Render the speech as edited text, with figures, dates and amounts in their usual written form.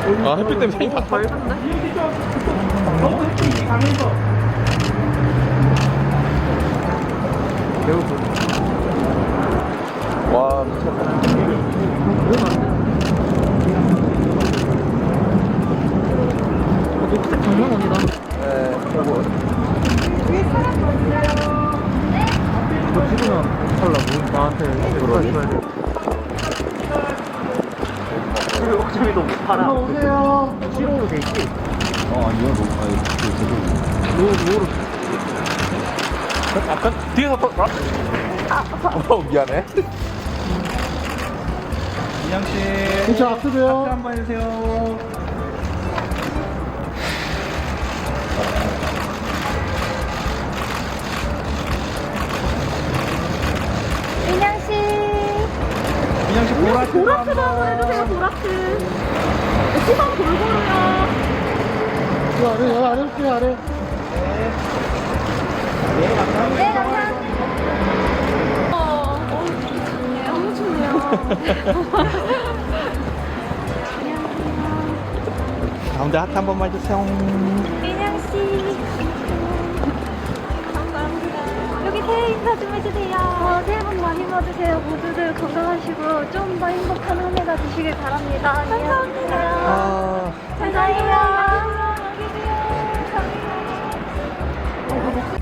아, 햇빛 때문에 색이 다 밝은데? 와, 미쳤다. 녹색 장난원이다. 네, 이거. 이거 찍으면 살라고? 나한테 그러게. 줘야 돼. 우리 옥점이도 못 팔아. 오세요. 실용으로 돼 있지? 아니요, 노로. 아까 뒤에서 또. 미안해. 이양씨 진짜 악수돼요. 박수 한번 해주세요. 인양씨 이양씨 보라트 보라트도 한번 해주세요. 보라트 시선 골고루요. 저 아래, 여기 아래 올게요, 아래. 네 감사합니다. 네 감사합니다. 좋네요. 너무 좋네요. 가운데 하트 한 번만 해주세요. 인양씨 감사합니다. 여기 새해 인사 좀 해주세요. 새해 복 많이 받으세요. 모두들 건강하시고 좀 더 행복한 한 해가 되시길 바랍니다. 감사합니다. 감사해요.